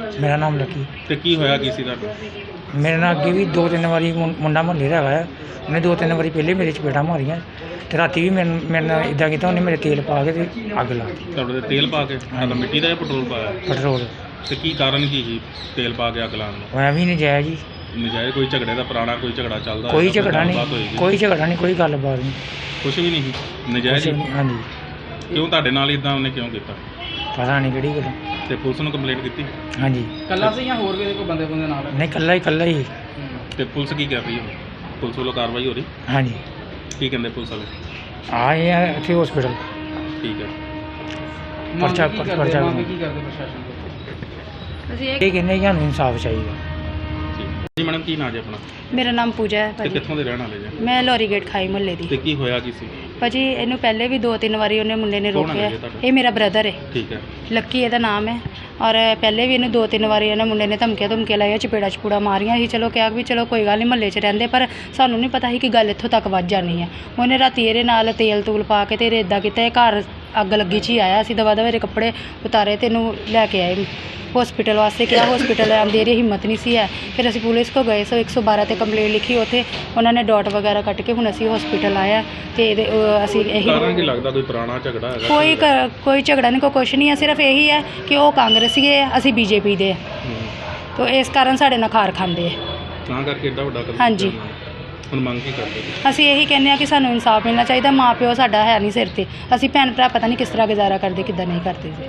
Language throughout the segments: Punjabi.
ਮੇਰਾ ਨਾਮ ਲੱਕੀ। ਤੇ ਕੀ ਹੋਇਆ ਕੀ ਸੀ ਤੁਹਾਨੂੰ? ਮੇਰੇ ਨਾਲ ਅੱਗੇ ਵੀ 2-3 ਵਾਰੀ ਮੁੰਡਾ ਮੁਹੱਲੇ ਦਾ ਹੈਗਾ, ਉਹਨੇ 2-3 ਵਾਰੀ ਪਹਿਲੇ ਮੇਰੇ ਚਪੇੜਾਂ ਮਾਰੀਆਂ ਤੇ ਰਾਤੀ ਵੀ ਮੇਰੇ ਨਾਲ ਇੱਦਾਂ ਕੀਤਾ, ਉਹਨੇ ਮੇਰੇ ਤੇਲ ਪਾ ਕੇ ਤੇ ਅੱਗ ਲਾ ਦਿੱਤੀ। ਤੁਹਾਡੇ ਤੇ ਤੇਲ ਪਾ ਕੇ? ਮਿੱਟੀ ਦਾ ਜਾਂ ਪੈਟਰੋਲ ਪਾਇਆ? ਪੈਟਰੋਲ। ਤੇ ਕੀ ਕਾਰਨ ਕੀ ਸੀ ਤੇਲ ਪਾ ਕੇ ਅੱਗ ਲਾਉਣ ਦਾ? ਉਹ ਐਵੇਂ ਨਜਾਇਜ਼ ਜੀ। ਨਜਾਇਜ਼ ਕੋਈ ਝਗੜੇ ਦਾ ਪੁਰਾਣਾ ਕੋਈ ਝਗੜਾ ਚੱਲਦਾ? ਕੋਈ ਝਗੜਾ ਨਹੀਂ, ਕੋਈ ਝਗੜਾ ਨਹੀਂ, ਕੋਈ ਗੱਲਬਾਤ ਨਹੀਂ, ਕੁਛ ਵੀ ਨਹੀਂ ਸੀ, ਨਜਾਇਜ਼ ਹੀ? ਹਾਂਜੀ। ਕਿਉਂ ਤੁਹਾਡੇ ਨਾਲ ਇਦਾਂ ਉਹਨੇ ਕਿਉਂ ਕੀਤਾ? ਪਤਾ ਨਹੀਂ ਕਿਹੜੀ ਗੱਲ। ਤੇ ਪੁਲਿਸ ਨੂੰ ਕੰਪਲੇਂਟ ਕੀਤੀ? ਹਾਂਜੀ। ਕੱਲਾ ਸੀ ਜਾਂ ਹੋਰ ਵੀ ਕੋਈ ਬੰਦੇ ਨਾਲ? ਨਹੀਂ, ਇਕੱਲਾ ਹੀ। ਤੇ ਪੁਲਿਸ ਕੀ ਕਰ ਰਹੀ ਹੈ? ਪੁਲਿਸ ਵੱਲੋਂ ਕਾਰਵਾਈ ਹੋ ਰਹੀ? ਹਾਂਜੀ। ਕੀ ਕਹਿੰਦੇ ਪੁਲਿਸ ਵਾਲੇ? ਆਏ ਆ ਇੱਥੇ ਹਸਪੀਟਲ। ਠੀਕ ਹੈ। ਪਰਚਾ ਕੀ ਕਰਦੇ ਪ੍ਰਸ਼ਾਸਨ ਕੋਲ? ਅਸੀਂ ਇਹ ਕਹਿੰਦੇ ਕਿ ਸਾਨੂੰ ਇਨਸਾਫ ਚਾਹੀਦਾ। ਜੀ ਮੈਡਮ, ਕੀ ਨਾਂ ਜੀ ਆਪਣਾ? ਮੇਰਾ ਨਾਮ ਪੂਜਾ ਹੈ ਤੇ ਭਾਜੀ। ਕਿੱਥੋਂ ਦੇ ਰਹਿਣ ਵਾਲੇ ਜੀ? ਮੈਂ ਲੋਰੀ ਗੇਟ ਖਾਈ ਮੁਹੱਲੇ ਦੀ। ਤੇ ਕੀ ਹੋਇਆ ਕੀ ਸੀ? ਭਾਜੀ ਇਹਨੂੰ ਪਹਿਲੇ ਵੀ 2-3 ਵਾਰੀ ਉਹਨੇ ਮੁੰਡੇ ਨੇ ਕੌਣ ਹੈ ਰੋਕਿਆ। ਜੀ ਤੁਹਾਡਾ? ਇਹ ਮੇਰਾ ਬ੍ਰਦਰ ਹੈ, ਠੀਕ ਹੈ। ਲੱਕੀ ਇਹਦਾ ਨਾਮ ਹੈ। ਔਰ ਪਹਿਲੇ ਵੀ ਇਹਨੂੰ 2-3 ਵਾਰੀ ਇਹਨੇ ਮੁੰਡੇ ਨੇ ਧਮਕੀਆਂ ਲਾਈਆਂ, ਚਪੇੜਾ ਮਾਰੀਆਂ ਸੀ। ਚਲੋ ਕਿਹਾ ਵੀ ਚਲੋ ਕੋਈ ਗੱਲ ਨਹੀਂ, ਮੁਹੱਲੇ 'ਚ ਰਹਿੰਦੇ, ਪਰ ਸਾਨੂੰ ਨਹੀਂ ਪਤਾ ਸੀ ਕਿ ਗੱਲ ਇੱਥੋਂ ਤੱਕ ਵੱਧ ਜਾਣੀ ਹੈ। ਉਹਨੇ ਰਾਤੀ ਇਹਦੇ ਨਾਲ ਤੇਲ ਤੂਲ ਪਾ ਕੇ ਤੇ ਇੱਦਾਂ ਕੀਤਾ, ਇਹ ਘਰ ਅੱਗ ਲੱਗੀ 'ਚ ਹੀ ਆਇਆ। ਅਸੀਂ ਦਵਾ ਦਵਾ ਇਹਦੇ ਕੱਪੜੇ ਉਤਾਰੇ ਤੇ ਇਹਨੂੰ ਲੈ ਕੇ ਆਏ ਹਸਪੀਟਲ ਵਾਸਤੇ। ਕਿਹਾ ਹਸਪੀਟਲ ਆਉਂਦੀ ਇਹਦੀ ਹਿੰਮਤ ਨਹੀਂ ਸੀ ਹੈ। ਫਿਰ ਅਸੀਂ ਪੁਲਿਸ ਕੋ ਗਏ, 112 ਤੇ ਕੰਪਲੇਂਟ ਲਿਖੀ। ਉੱਥੇ ਉਹਨਾਂ ਨੇ ਡਾਟ ਵਗੈਰਾ ਕੱਟ ਕੇ ਹੁਣ ਅਸੀਂ ਹਸਪੀਟਲ ਆਇਆ ਤੇ ਇਹਦੇ ਅਸੀਂ ਇਹੀ ਕਾਰਨ ਕੀ ਲੱਗਦਾ? ਕੋਈ ਪੁਰਾਣਾ ਝਗੜਾ ਹੈਗਾ? ਕੋਈ ਝਗੜਾ ਨਹੀਂ, ਕੋਈ ਕੁਛ ਨਹੀਂ ਹੈ। ਸਿਰਫ ਇਹੀ ਹੈ ਕਿ ਉਹ ਕਾਂਗਰਸੀ ਹੈ, ਅਸੀਂ ਬੀਜੇਪੀ ਦੇ ਤਾਂ ਇਸ ਕਾਰਨ ਸਾਡੇ ਨਾਲ ਖਾਰ ਖਾਂਦੇ ਆ ਤਾਂ ਕਰਕੇ ਏਡਾ ਵੱਡਾ ਕਦਮ? ਹਾਂਜੀ। ਹੁਣ ਮੰਗ ਕੀ ਕਰਦੇ? ਅਸੀਂ ਇਹੀ ਕਹਿੰਦੇ ਆ ਕਿ ਸਾਨੂੰ ਇਨਸਾਫ ਮਿਲਣਾ ਚਾਹੀਦਾ। ਮਾਂ ਪਿਓ ਸਾਡਾ ਹੈ ਨਹੀਂ ਸਿਰ ਤੇ, ਅਸੀਂ ਭੈਣ ਭਰਾ ਪਤਾ ਨਹੀਂ ਕਿਸ ਤਰ੍ਹਾਂ ਗੁਜ਼ਾਰਾ ਕਰਦੇ, ਕਿੱਦਾਂ ਨਹੀਂ ਕਰਦੇ ਜੀ।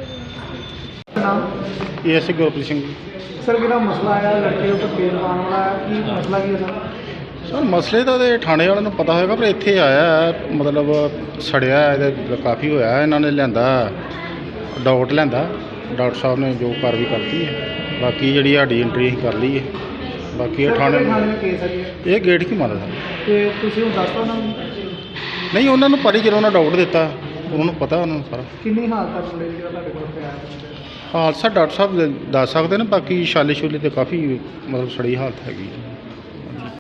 ਇਹ ਅਸੀਂ ਗੁਰਪ੍ਰੀਤ ਸਿੰਘ। ਸਰ ਕਿਹੜਾ ਮਸਲਾ ਆਇਆ ਲੜਕੇ ਉੱਤੇ ਤੇਲ ਪਾਉਣ ਵਾਲਾ, ਕੀ ਮਸਲਾ ਕੀ ਹੈ ਸਰ ਮਸਲੇ ਤਾਂ ਇਹਦੇ ਥਾਣੇ ਵਾਲਿਆਂ ਨੂੰ ਪਤਾ ਹੋਏਗਾ, ਪਰ ਇੱਥੇ ਆਇਆ ਮਤਲਬ ਸੜਿਆ ਇਹਦੇ ਕਾਫੀ ਹੋਇਆ। ਇਹਨਾਂ ਨੇ ਲਿਆਂਦਾ ਡਾਕਟਰ ਲਿਆਂਦਾ, ਡਾਕਟਰ ਸਾਹਿਬ ਨੇ ਜੋ ਕਾਰਵਾਈ ਕਰਤੀ ਹੈ। ਬਾਕੀ ਜਿਹੜੀ ਸਾਡੀ ਐਂਟਰੀ ਅਸੀਂ ਕਰ ਲਈ ਹੈ। ਬਾਕੀ ਇਹ ਥਾਣੇ ਕੇਸ ਹੈ? ਇਹ ਗੇਟ ਕੀ ਮਾਰਦਾ ਤੇ ਤੁਸੀਂ ਹੁਣ ਦੱਸ ਦਿਓ ਉਹਨਾਂ ਨੂੰ। ਨਹੀਂ, ਉਹਨਾਂ ਨੂੰ ਪਰੀ ਜਦੋਂ ਉਹਨਾਂ ਡਾਕਟਰ ਦਿੱਤਾ, ਉਹਨਾਂ ਨੂੰ ਪਤਾ ਉਹਨਾਂ ਨੂੰ ਸਾਰਾ। ਕਿੰਨੀ ਹਾਲਤ ਹੈ ਮੁੰਡੇ ਦੀ ਜਿਹੜਾ ਤੁਹਾਡੇ ਕੋਲ ਪਿਆ? ਹਾਦਸਾ ਡਾਕਟਰ ਸਾਹਿਬ ਦੱਸ ਸਕਦੇ ਨੇ, ਬਾਕੀ ਛਾਲੇ ਛੁਲੇ ਤੇ ਕਾਫੀ ਮਤਲਬ ਸੜੀ ਹਾਲਤ ਹੈਗੀ।